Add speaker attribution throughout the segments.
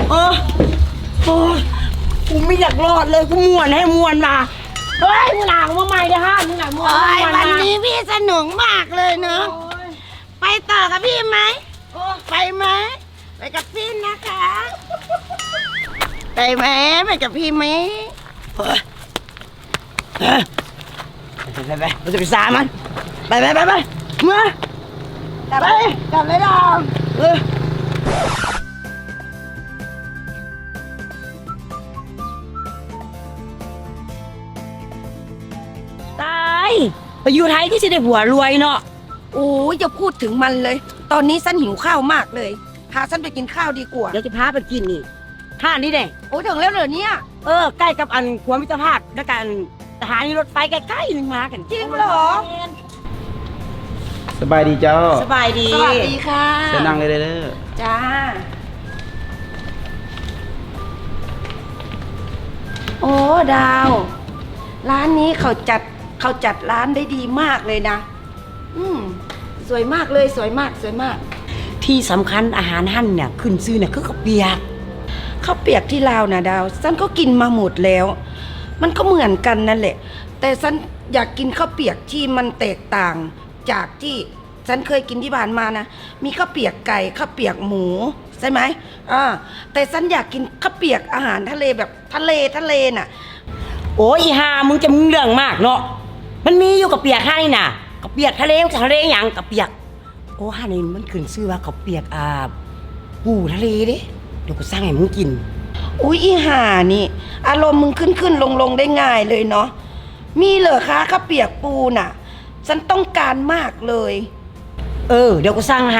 Speaker 1: โอ้ยกูไม่อยากรอดเลยกูม่วนให้ม่วนมาเฮ้ยมึงหนักมาใหม่เด้อฮะมึงหนักม่วน
Speaker 2: วันนี้พี่สนุกมากเลยเนาะไปต่อกับพี่ไหมไปไหมไปกับพี่นะคะไปไหมไปกับพี่ไหม
Speaker 1: ไปเราจะไปซามันไปเมื่อกลับเลยดาวตายไปอยู่ไทยที่จะได้ผัวรวยเนาะ
Speaker 2: โอ้ยอย่าพูดถึงมันเลย ตอนนี้ฉันหิวข้าวมากเลยพาฉันไปกินข้าวดีกว่า
Speaker 1: เดี๋ยวจะพาไปกินนี่ท่านี้เด้
Speaker 2: โอ้ถึงแล้วเหรอเนี่ย
Speaker 1: ใกล้กับอันขัวมิตรภาพและกันสถานีรถไฟใกล้ๆนึงมากัน
Speaker 2: จริงเหรอ
Speaker 3: สบายดีเจ้า
Speaker 1: สบายดี
Speaker 2: สวัสดีค่ะ
Speaker 3: เชิญนั่งเลยเด้อ
Speaker 2: จ้าโอ้ดาว ร้านนี้เขาจัดร้านได้ดีมากเลยนะสวยมากเลยสวยมากสวยมาก
Speaker 1: ที่สำคัญอาหารหั่นเนี่ยขึ้นชื่อเนี่ยคือข้าวเปียก
Speaker 2: ข้าวเปียกที่ลาวนะดาวฉันก็กินมาหมดแล้ว มันก็เหมือนกันนั่นแหละ แต่ฉันอยากกินข้าวเปียกที่มันแตกต่างจากที่ฉันเคยกินที่บ้านมานะมีข้าวเปียกไก่ข้าวเปียกหมูใช่ไหมแต่ฉันอยากกินข้าวเปียกอาหารทะเลแบบทะเลน่ะ
Speaker 1: โอ้ยอีห่ามึงจะมึงเรื่องมากเนาะมันมีอยู่กับเปียกให้น่ะกับเปียกทะเลหยังกับเปียกโอ้ห่านี่มันขึ้นชื่อว่ากับเปียกปูทะเลเด้เดี๋ยวกูสร้างให้มึงกิน
Speaker 2: อุ๊ยอีห่านี่อารมณ์มึงขึ้นลงได้ง่ายเลยเนาะมีเหรอคะข้าวเปียกปูน่ะฉันต้องการมากเลย
Speaker 1: เดี๋ยวกูสร้างให้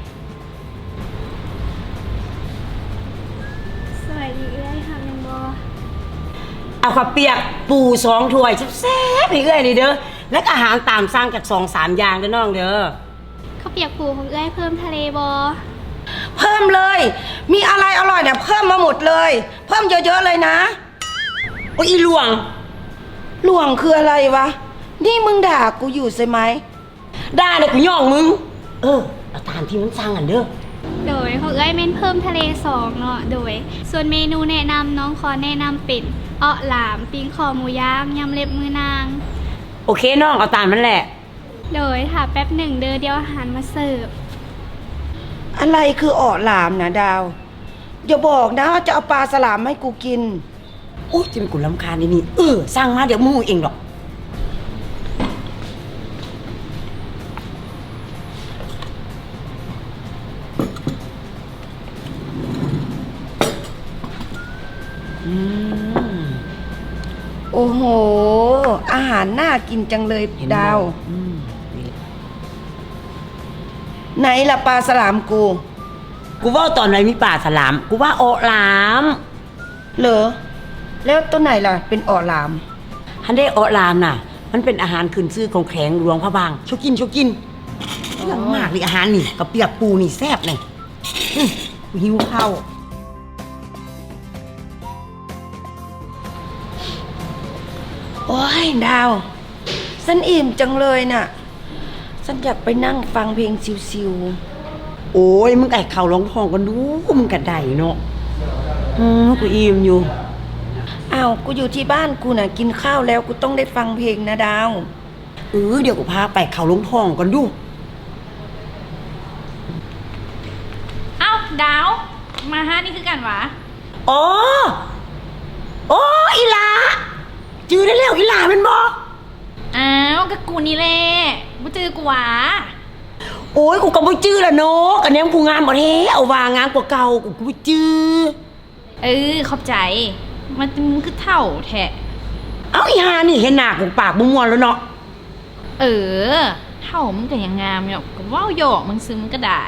Speaker 4: สวัสดีเอ้ยค่ะแมงบอ
Speaker 1: เอาข้าวเปียกปู2 ถ้วยแซ่บๆให้เอ้ยนี่เด้อแล้วก็อาหารตามสั่งจาก2-3 อย่างเด้อน้องเด้อ
Speaker 4: ข้าวเปียกปูของเอ้ยเพิ่มทะเลบอ
Speaker 2: เพิ่มเลย มีอะไรอร่อยเนี่ยเพิ่มมาหมดเลย เพิ่มเยอะๆเลยนะ
Speaker 1: โอ้ยอีหลวง
Speaker 2: หลวงคืออะไรวะ นี่มึงด่ากูอยู่ใช่ไหม
Speaker 1: ได้เลยกูย่องมึงเอาตามที่มันสั่งกันเด้อ
Speaker 4: โดยของเอ้ยเม่นเพิ่มทะเล2เนาะโดยส่วนเมนูแนะนำน้องขอแนะนำเป็นหลามปิ้งคอหมูย่างยำเล็บมือนาง
Speaker 1: โอเคน้องเอาตามมันแหละ
Speaker 4: โดยค่ะแป๊บหนึ่งเดี๋ยวอาหารมาเสิร์ฟ
Speaker 2: อะไรคืออ่อหลามนะดาว อย่าบอกนะว่าจะเอาปลาสลามให้กูกิน
Speaker 1: โอ้ยจะเป็นกูรำคาญนี่สร้างมาเดี๋ยวมึงเองหรอก
Speaker 2: โอ้โห อาหารน่ากินจังเลยดาว ไหนล่ะปลาสลามกู
Speaker 1: กูว่าตอนไหนมีป่าสลามกูว่าโอหลาม
Speaker 2: เหรอ แล้วตัวไหนล่ะ เป็นอ่อหลาม
Speaker 1: ฮันได้โอหลามน่ะ มันเป็นอาหารขึ้นชื่อของแขวงหลวงพระบางชอบกินเรื่องมากเลยอาหารนี่กับเปียกปูนี่แซ่บเลยกูหิวข้าว
Speaker 2: โอ้ยดาวฉันอิ่มจังเลยน่ะฉันอยากไปนั่งฟังเพลงชิว
Speaker 1: โอ้ยมึงไก่เข่าร้องทองกันดูมึงกระไดเนาะกูอิ่มอยู่
Speaker 2: ๆอ้าวกูอยู่ที่บ้านกูน่ะกินข้าวแล้วกูต้องได้ฟังเพลงนะดาว
Speaker 1: เดี๋ยวกูพาไปเข่าร้องทองกันดู
Speaker 5: เอ้าดาวมาฮะนี่คือกันหวะ
Speaker 1: อ๋ออีหลาจื้อได้แล้วอีหลาเป็นบ่
Speaker 5: อ้าวก็กูนี่แหละบ่เจอกูหวะ
Speaker 1: โอ้ยกูก็บ่จื้อละเนาะกันแนมกูงามบ่แท้เอาว่างามกว่าเก่ากูบ่จื้อ
Speaker 5: ขอบใจมันคือเท่าแท้
Speaker 1: เอาอีห่านี่เห็นหน้ากูปากบ่ม่วนแล้วเนาะ
Speaker 5: เท่ามึงก็ยังงามอยู่ก็เว้าหยอกมึงซื้อมึงก็ได้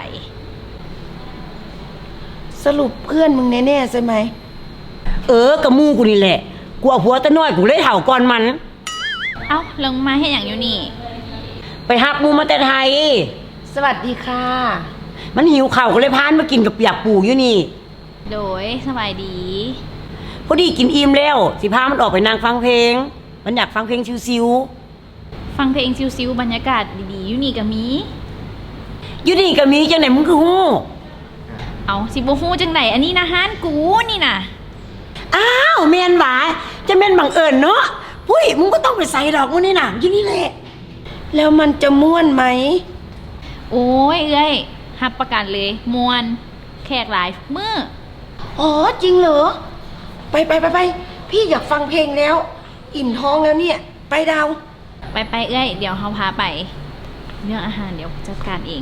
Speaker 2: สรุปเพื่อนมึงแน่ๆใช่ไหม
Speaker 1: กับหมู่กูนี่แหละกูเอาผัวตะน้อยกูเลยเฒ่าก่อนมัน
Speaker 5: เอ้าลงมาให้อย่างอยู่นี่
Speaker 1: ไปหักหมู่มาแต่ไทย
Speaker 2: สวัสดีค่ะ
Speaker 1: มันหิวข้าวก็เลยพานมากินกับเปียกปูอยู่นี่
Speaker 5: โดยสบายดี
Speaker 1: พอดีกินอิ่มแล้วสิพามันออกไปนั่งฟังเพลงมันอยากฟังเพลงชิว
Speaker 5: ฟังเพลงซิวๆบรรยากาศดีๆอยู่นี่ก็มี
Speaker 1: ๆอยู่นี่ก็มีจังไหนมึงคือฮู้
Speaker 5: เอาสิบ่ฮู้จังไหนอันนี้นะฮานกูนี่น่ะ
Speaker 1: อ้าวแม่นหวาจะแม่นบังเอิญเนาะปุ้ยมึงก็ต้องไปใส่ดอกมื้อนี่น่ะอยู่นี่แหละ
Speaker 2: แล้วมันจะม่วนไหม
Speaker 5: โอ้ยเอ้ยรับประกันเลยมวนแขกหลายมื้อ
Speaker 2: อ๋อจริงเหรอ ไปพี่อยากฟังเพลงแล้ว อิ่มท้องแล้วเนี่ย ไปดาว
Speaker 5: ไปเอ้ยเดี๋ยวเฮาพาไปเรื่องอาหารเดี๋ยวจัดการเอง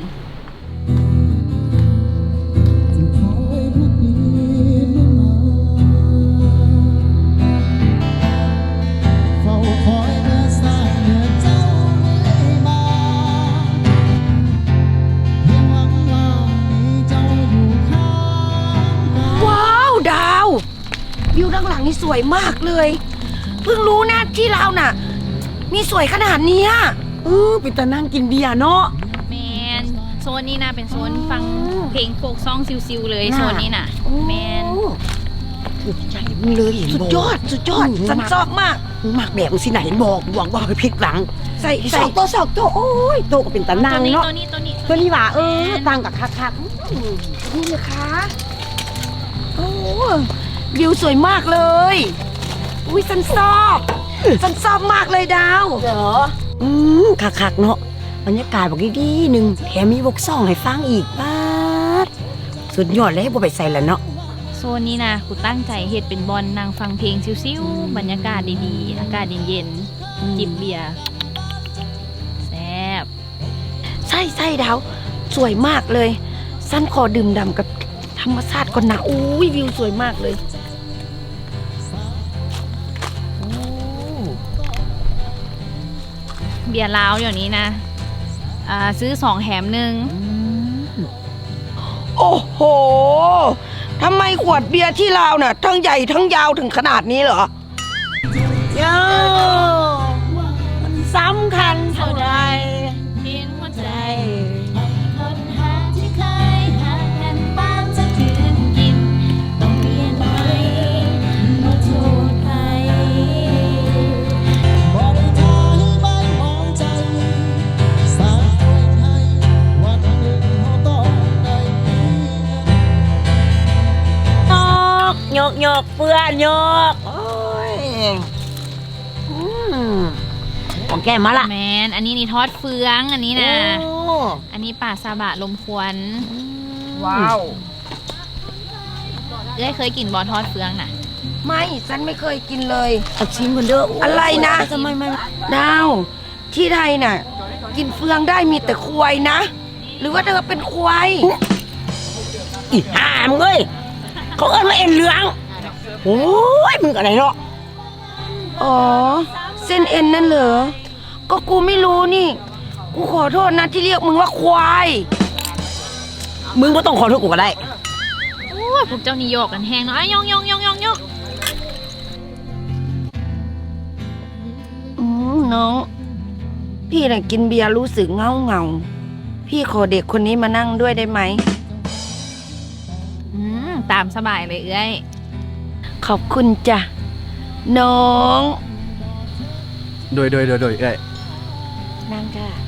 Speaker 3: เฝ้าคอยเมื่อสายเมื่อเจ้าไม่มาเพียงหวังว่ามีเจ้าอยู่ข้างกาย
Speaker 2: ว้าวดาววิวด้านหลังนี่สวยมากเลย เพิ่งรู้นะที่เราวน่ะ มีสวยขนาดเนี้ย
Speaker 1: เป็นตานั่งกินเบียร์เนาะ
Speaker 5: แมนโซนนี้นะเป็นโซนฟังเพลงโฟกซองซิวๆเลย
Speaker 1: น่ะ
Speaker 5: โซนนี้น่ะแมน
Speaker 1: ถูกใจมึงเลยเห็น
Speaker 2: สุด
Speaker 1: บอก
Speaker 2: ยอดฉันชอบมาก
Speaker 1: มึงมักแบบมึงสิไหนบอกหวังว่าไปผิดหวัง
Speaker 2: ใส่
Speaker 1: สองตัวโอ้ยโตก็เป็นตานั่งเนาะ
Speaker 5: ตัวนี้
Speaker 1: ตัวนี้ว่าต่างกับคัก
Speaker 2: นี่เลยคะโอ้วิวสวยมากเลย อุ้ยฉันชอบมากเลยดาว
Speaker 1: ๆเหรอคักเนาะบรรยากาศบอกดีๆหนึ่งแถมมีวกซ่องให้ฟังอีกป้าดสุดยอดเลยให้บ่ไปใส่แล้วเนาะ
Speaker 5: โซนนี้นะกูตั้งใจเฮ็ดเป็นบอลนางฟังเพลงซิวๆบรรยากาศดีๆอากาศเย็นๆจิบเบียร์แซ่บ
Speaker 2: ใช่ดาว สวยมากเลยฉันขอดื่มด่ำกับธรรมชาติก่อนนะอุ้ยวิวสวยมากเลย
Speaker 5: เบียร์ลาวเดี๋ยวนี้นะซื้อ2แถม1
Speaker 2: โอ้โหทำไมขวดเบียร์ที่ลาวน่ะทั้งใหญ่ทั้งยาวถึงขนาดนี้เหรอ
Speaker 1: โย่มันสำคัญเท่าใด
Speaker 5: เพียงหัวใจ
Speaker 6: คนหาที่เคยหากันบ้างจะคืนกิน ต้องเปลี่ยนไปมาโทษใคร
Speaker 3: บ่ได้ทาให้ใบมองใจสร้างตัวให้วันหนึ่งเขาต้องได้มีเงิน
Speaker 1: ยกเพื่อนยกโอ้ยของแกมาละ
Speaker 5: แมนอันนี้นี่ทอดเฟืองอันนี้นะ
Speaker 1: โอ้
Speaker 5: อันนี้ป่าซาบะลมควัน
Speaker 2: ว้าว
Speaker 5: เคยกินบอทอดเฟืองน่ะ
Speaker 2: ไม่ฉันไม่เคยกินเลย
Speaker 1: เอาชิมกันเด้อ
Speaker 2: อะไรนะ
Speaker 1: ทำไมไม่
Speaker 2: ดาว ที่ไทยน่ะ กินเฟืองได้มีแต่ควายนะ หรือว่าเธอเป็นควาย
Speaker 1: อีห่ามงเอ้ยเขาเอิ้นว่าเอ็นเหลืองโอ้ยมึงอะไรเนาะ
Speaker 2: อ๋อ เส้นเอ็นนั่นเหรอ ก็กูไม่รู้นี่ กูขอโทษนะที่เรียกมึงว่าควาย
Speaker 1: มึงก็ต้องขอโทษกูก็ได้
Speaker 5: โอ้ยพวกเจ้านี่โยกกันแหงเนาะอ่ะยอง
Speaker 2: น้อง พี่น่ะกินเบียร์รู้สึกเงา พี่ขอเด็กคนนี้มานั่งด้วยได้ไหม
Speaker 5: ตามสบายเลยเอ้ย
Speaker 2: ขอบคุณจ้ะ น้อง
Speaker 7: โดยเอ้ย
Speaker 2: นั่งจ้ะ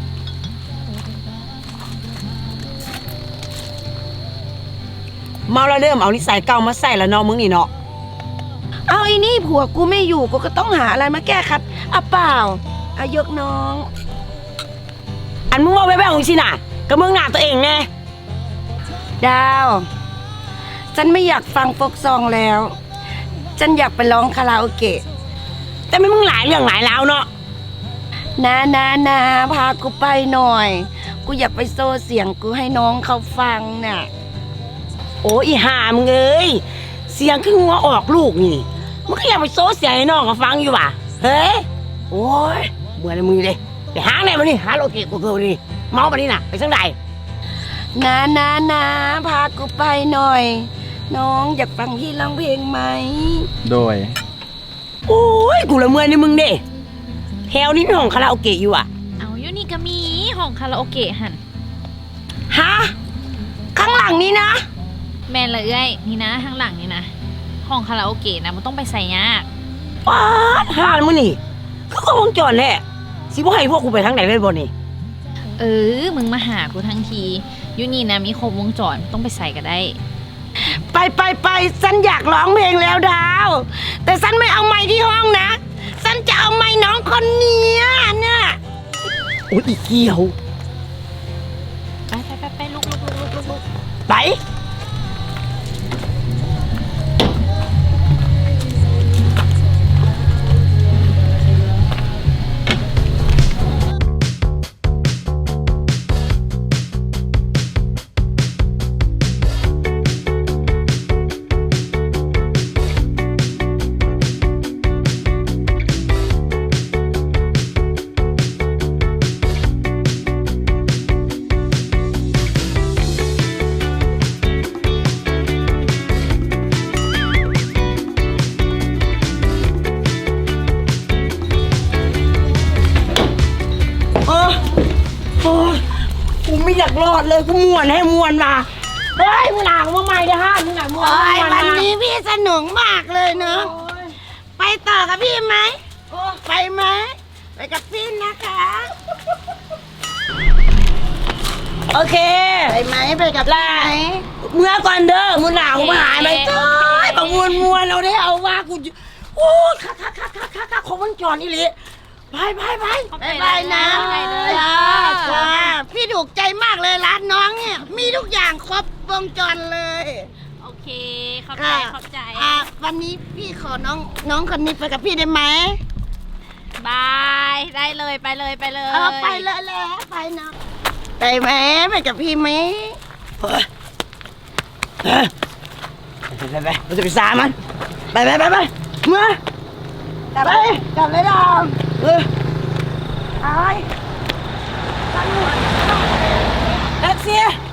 Speaker 1: เมาแล้วเริ่มเอานิสัยเก่ามาใส่แล้วเนาะมึงนี่เนาะ
Speaker 2: เอาไอ้นี่ผัวกูไม่อยู่กูก็ต้องหาอะไรมาแก้ครับอ่ะเปล่าอายกน้อง
Speaker 1: อันมึงว่าแว่วๆของสิน่ะก็มึงหน้าตัวเองแน่
Speaker 2: ดาว ฉันไม่อยากฟังโฟกซองแล้ว ฉันอยากไปร้องคาราโอเกะ
Speaker 1: แต่ไม่มึงหลายเรื่องหลายราวเนาะ
Speaker 2: นาพากูไปหน่อย กูอยากไปโซ่เสียงกูให้น้องเขาฟังน่ะ
Speaker 1: โอ้อีห่ามึงเอ้ยเสียงคือหัวออกลูกนี่มึงก็อยากไปโซ่เสียงให้น้องเขาฟังอยู่ว่ะเฮ้ยโอ้ยเบื่อเลยมึงเลยไปหาไหนมานี่หาโลเกะกูเกินนี่เมาปะนี่น่ะไปสังใด
Speaker 2: นาพากูไปหน่อย น้องอยากฟังพี่ร้องเพลงไหม
Speaker 7: โดย
Speaker 1: โอ้ยกูละเมื่อยในมึงเด้แถวนี้มีห้องคาราโอเกะอยู่อ่ะ
Speaker 5: เอาอยู่นี่ก็มีห้องคาราโอเกะหัน
Speaker 2: ฮะ ข้างหลังนี้นะ
Speaker 5: แมนเลยเอ้ยนี่นะข้างหลังนี่นะห้องคาราโอเกะนะมันต้องไปใส่ยาก
Speaker 1: ป้าดห่านมึงนี่ก็วงจรแหละสิบ่ให้พวกกูไปทางไหนเลยบ่นี่
Speaker 5: มึงมาหากูทั้งทีอยู่นี่นะมีครบวงจรต้องไปใส่ก็ได้
Speaker 2: ไปฉันอยากร้องเพลงแล้วดาว แต่ฉันไม่เอาไม้ที่ห้องนะฉันจะเอาไม้น้องคนเนี้ยเนี่ย
Speaker 1: โอ้ยอีเกี่ยว
Speaker 5: ไปลุก
Speaker 1: ไป โอ้ยกูไม่อยากรอดเลยกูม่วนให้ม่วนมาเฮ้ยมึงหนาวมาใหม่เด้อฮะมึงหนาวม่วน
Speaker 2: โอ้ย
Speaker 1: ม่
Speaker 2: วัน
Speaker 1: มา
Speaker 2: นี้พี่สนุกมากเลยเนาะไปต่อกับพี่ไหมไปไหมไปกับพี่นะคะ
Speaker 1: โอเค
Speaker 2: ไปไหมไปกับพี่ไหม
Speaker 1: เมื่อก่อนเด้อมึงหนาวมาหายไปเจ้ยบังม่วนเราได้เอาว่ากูโอ้คักของมันจอนนี่เลยไป
Speaker 2: บายนะ
Speaker 5: ไปเลย
Speaker 2: จ้าพี่ถูกใจมากเลยร้านน้องเนี่ยมีทุกอย่างครบวงจรเลย
Speaker 5: โอเคขอบใจ
Speaker 2: วันนี้พี่ขอน้องคนนี้ไปกับพี่ได้ไหม
Speaker 5: บายได้เลยไปเลย
Speaker 2: ไปเลยแล้วไปนะไปไหมไปกับพี่ไหม
Speaker 1: ไปเราจะไปสามันไปเมื่อกลับเลยดาวไปแท็กซี่